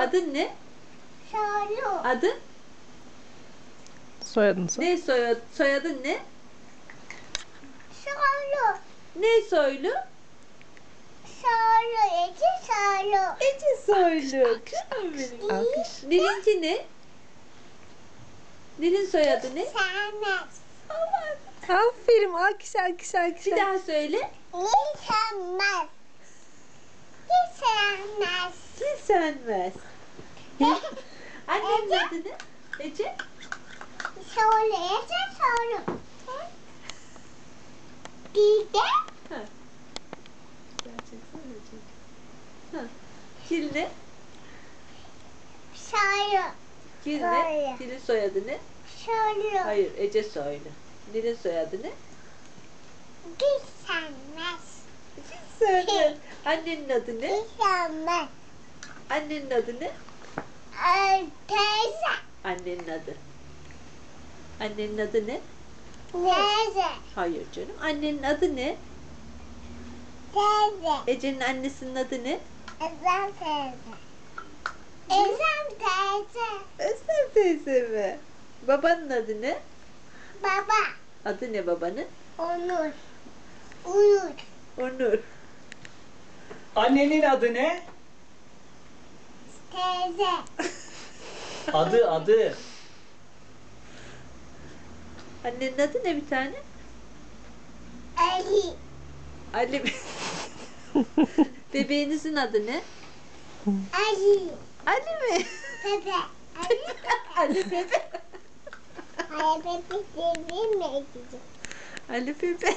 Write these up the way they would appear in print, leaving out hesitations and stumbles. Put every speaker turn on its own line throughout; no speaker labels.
Adın ne?
Soylu.
Adın?
Soyadın sor.
Ne soyadın ne?
Soylu.
Ne soylu?
Soylu. Ece soylu.
Ece soylu. Canım benim.
Alkış.
Nil'inki ne? Nil'in soyadı ne?
Sevmez.
Aferin. Alkış, alkış, alkış.
Bir daha söyle.
Hiç sevmez. Hiç sevmez.
Hiç senmez. Annenin adı ne? Ece?
Soylu. Ece soylu. Bir de
Kil ne?
soylu.
Kil ne?
Soylu.
Kil'in soyadı ne?
Soylu.
Hayır, Ece soylu. Nil'in soyadı ne?
Hiç sevmez.
Hiç senmez. Annenin adı ne?
Hiç sevmez.
Annenin adı ne?
Teyze.
Annenin adı. Annenin adı ne?
Teyze.
Hayır canım. Annenin adı ne?
Teyze.
Ece'nin annesinin adı ne?
Ezem teyze. Ezem teyze.
Özlem teyze mi? Babanın adı ne?
Baba.
Adı ne babanın?
Onur. Uyur.
Onur.
Annenin adı ne?
Teyze.
Adı.
Annenin adı ne bir tane?
Ali.
Ali. Bebeğinizin adı ne?
Ali.
Ali mi?
Pepe. Ali.
Ali Pepe.
Ali Pepe sevdiğim mi gidecek?
Ali Pepe.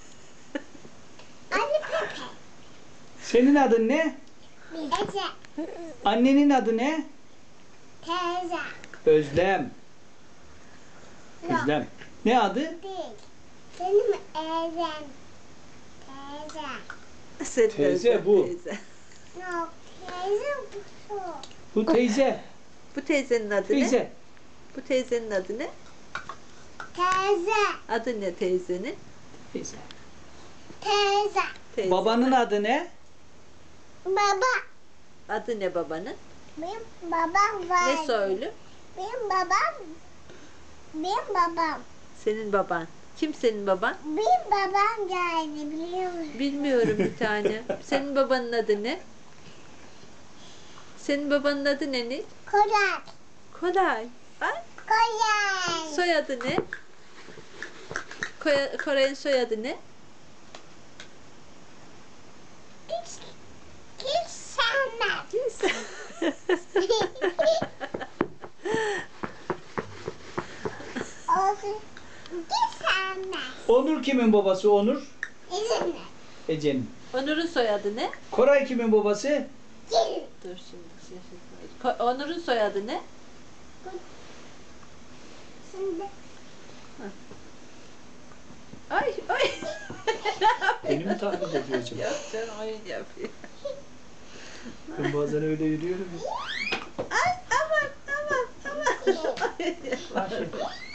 Ali Pepe.
Senin adın ne?
Ece.
Annenin adı ne?
Teyze.
Özlem. Özlem. Ne adı?
Değil. Benim Ezem. Teyze.
Senin
Teyze
Özlem
bu.
Teyze.
Yok. Teyze bu.
Bu teyze.
Bu teyzenin adı ne?
Teyze.
Bu teyzenin adı ne?
Teyze.
Adı ne teyzenin?
Teyze.
Teyze.
Teyze.
Babanın adı ne?
Baba.
Adı ne babanın?
Benim babam var.
Ne soylu?
Benim babam. Benim babam.
Senin baban. Kim senin baban?
Benim babam geldi biliyor musun?
Bilmiyorum bir tane. Senin babanın adı ne? Senin babanın adı ne Nil?
Koray.
Koray. Ay,
Koray.
soyadı ne? Koray'ın soyadı ne?
Hiç sevmez.
Kimse.
Olsun. Hiç sevmez.
Onur kimin babası Onur?
İzin ver.
Ece'nin.
Onur'un soyadı ne?
Koray kimin babası?
Gel.
Dur şimdi şaşırtmayız. Onur'un soyadı ne?
Şimdi.
Ay ay.
Beni mi taklit ediyor acaba?
Yok canım oyun yapıyor.
Ben bazen öyle yürüyorum.
Ay aman aman aman. Oyun yapıyor.